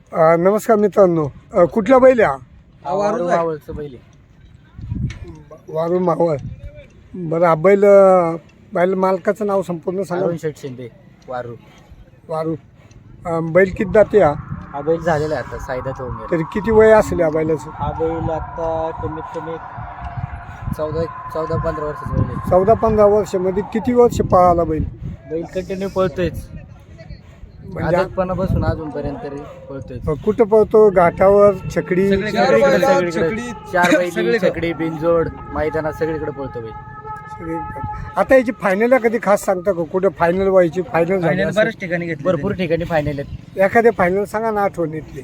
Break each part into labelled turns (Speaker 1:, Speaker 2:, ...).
Speaker 1: नमस्कार मित्रांनो, कुठला बैल आहे हा?
Speaker 2: मावळचं बैल आहे.
Speaker 1: वारू मावळ. बरं, हा बैल बैल मालकाचं नाव संपूर्ण सांगा.
Speaker 2: अरुण शेठ शिंदे वारू.
Speaker 1: वारू. बैल किती जाते हा?
Speaker 2: हा बैल झालेला आहे आता सायदात होऊन गेला.
Speaker 1: तरी किती वय असेल या बैलाचं?
Speaker 2: हा बैल आता कमीत कमी 14-15 वर्षाचा बैल आहे.
Speaker 1: 14-15 वर्षामध्ये किती वर्ष पळाला बैल?
Speaker 2: बैल कंटिन्यू पळतोयच
Speaker 1: म्हणजे
Speaker 2: आजपणापासून अजूनपर्यंत तरी पळतोय.
Speaker 1: कुठं पळतो? घाटावर, छकडी?
Speaker 2: सगळीकडे 4 बैल, छकडी, बिनजोड, मैदानात सगळीकडे पळतो बैल.
Speaker 1: आता याची फायनल कधी खास सांगता का? कुठं फायनल व्हायची? फायनल झाली असेल.
Speaker 2: बऱ्याच ठिकाणी घेतली, भरपूर ठिकाणी फायनल आहेत.
Speaker 1: एखादे फायनल सांगा ना आठवणीतली.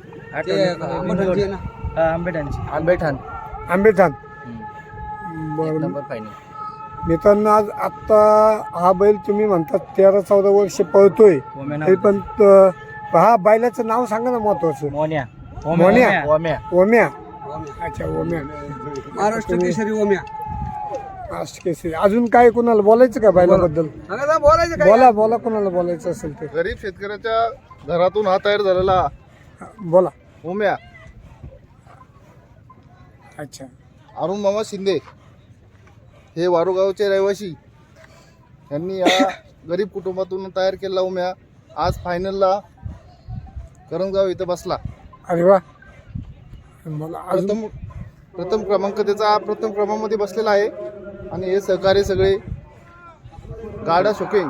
Speaker 2: आंबेठाण
Speaker 1: आंबेठाण.
Speaker 2: एक
Speaker 1: बरं
Speaker 2: नंबर फायनल.
Speaker 1: मित्रांनो, आज आत्ता हा बैल तुम्ही म्हणतात 13-14 वर्ष पळतोय, तरी पण हा बैलाचं नाव सांगा ना महत्वाचं.
Speaker 2: मोन्या.
Speaker 1: मोन्या.
Speaker 2: ओम्या.
Speaker 1: ओम्या. अच्छा, ओम्या.
Speaker 3: महाराष्ट्र केसरी ओम्या.
Speaker 1: महाराष्ट्र केसरी. अजून काय कोणाला बोलायचं का बैलाबद्दल?
Speaker 3: बोलायचं
Speaker 1: बोला कोणाला बोलायचं असेल ते.
Speaker 4: गरीब शेतकऱ्याच्या घरातून हा तयार झालेला
Speaker 1: बोला.
Speaker 4: ओम्या
Speaker 1: अच्छा.
Speaker 4: अरुण मामा शिंदे हे वारुगावचे रहिवासी यांनी या गरीब कुटुंबातून तयार केलेला ओम्या आज फायनलला करंजगाव इथं बसला.
Speaker 1: अरे वा. मला अजून
Speaker 4: प्रथम क्रमांक त्याचा प्रथम क्रमांकामध्ये बसलेला आहे. आणि हे सहकारी सगळे गाडा शोकिंग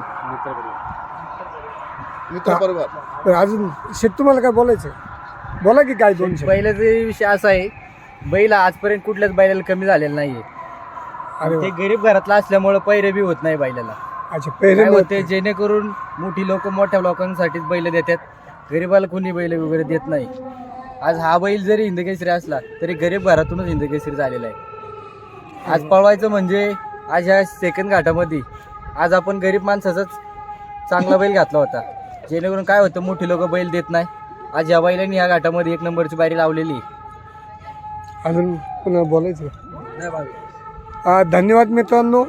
Speaker 4: मित्र परिवार.
Speaker 1: अजून शेत तुम्हाला काय बोलायचं? बोला की काय दोन शब्द.
Speaker 2: बैलाचा विषय असा आहे, बैल आजपर्यंत कुठल्याच बैलाला कमी झालेला नाहीये.
Speaker 1: अरे
Speaker 2: ते
Speaker 1: वा.
Speaker 2: गरीब घरातला असल्यामुळे पैरे बी होत नाही बैलाला.
Speaker 1: अच्छा,
Speaker 2: काय
Speaker 1: पहिले
Speaker 2: होते, जेणेकरून मोठी लोक मोठ्या लोकांसाठीच बैल देतात, गरीबाला कोणी बैल वगैरे देत नाही. आज हा बैल जरी हिंदकेसरी असला तरी गरीब घरातूनच हिंदकेसरी झालेला आहे. आज पळवायचं म्हणजे आज ह्या सेकंड घाटामध्ये आज आपण गरीब माणसाचाच चांगला बैल घातला होता, जेणेकरून काय होतं, मोठी लोक बैल देत नाही. आज या बैलांनी ह्या घाटामध्ये 1 नंबरची बारी लावलेली.
Speaker 1: अजून पुन्हा बोलायचं? धन्यवाद मित्रांनो.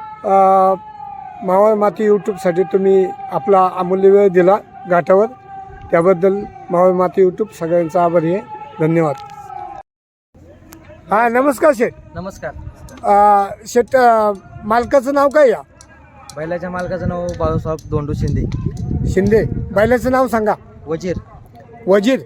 Speaker 1: मावळ माती यूट्यूबसाठी तुम्ही आपला अमूल्य वेळ दिला घाटावर, त्याबद्दल मावळ माती यूट्यूब सगळ्यांचा आभारी आहे. धन्यवाद. हां, नमस्कार शेठ.
Speaker 2: नमस्कार.
Speaker 1: शेठ, मालकाचं नाव काय या?
Speaker 2: बैलाच्या मालकाचं नाव बाळूसाहेब धोंडू शिंदे.
Speaker 1: शिंदे. बैलाचं नाव सांगा.
Speaker 2: वजीर.
Speaker 1: वजीर.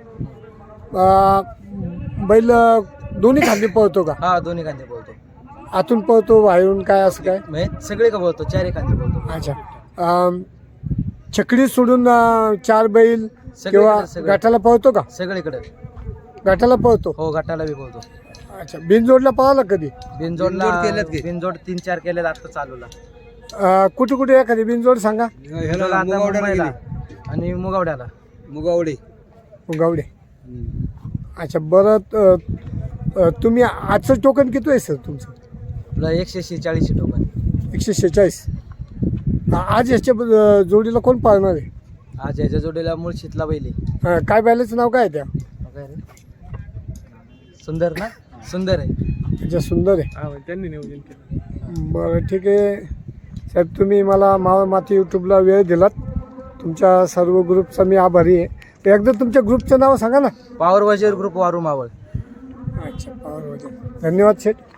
Speaker 1: बैल दोन्ही खांदी पळतो का?
Speaker 2: हा, दोन्ही कांदे बोलतो.
Speaker 1: आतून पळतो, बाहेरून काय असं काय?
Speaker 2: म्हणजे सगळे का बोलतो, 4 कांदे बोलतो.
Speaker 1: अच्छा. छकडी सोडून 4 बैल किंवा
Speaker 2: सगळीकडे.
Speaker 1: गटाला पळतो का?
Speaker 2: सगळीकडे.
Speaker 1: गटाला पळतो.
Speaker 2: हो, गटाला बी बोलतो.
Speaker 1: अच्छा. बिनजोडला पळाला कधी?
Speaker 2: बिनजोडला बिनजोड 3-4 केले आता चालूला.
Speaker 1: कुठे कुठे एखादी बिनजोड सांगा.
Speaker 2: बिनजोडला आता मुंबईला आणि मुगावड्याला.
Speaker 3: मुगावडे.
Speaker 1: गावडे. अच्छा. बरं, तुम्ही आजचं टोकन किती आहे सर तुमचं?
Speaker 2: आपलं 146 टोकन.
Speaker 1: 146. आज याच्या जोडीला कोण पाळणार आहे?
Speaker 2: आज याच्या जोडीला मुळशीतला बैल आहे.
Speaker 1: काय बैलाचं नाव काय आहे त्या?
Speaker 2: काय रे? सुंदर ना? सुंदर आहे.
Speaker 1: अच्छा, सुंदर आहे.
Speaker 2: हा, त्यांनी नियोजन केलं.
Speaker 1: बरं, ठीक आहे साहेब. तुम्ही मला मावळ माती यूट्यूबला वेळ दिलात. तुमच्या सर्व ग्रुपचा मी आभारी आहे. एकदा तुमच्या ग्रुपचं नाव सांगा ना.
Speaker 2: पॉवर वजीर ग्रुप वारू मावळ.
Speaker 1: अच्छा, पॉवर वजीर. धन्यवाद शेठ.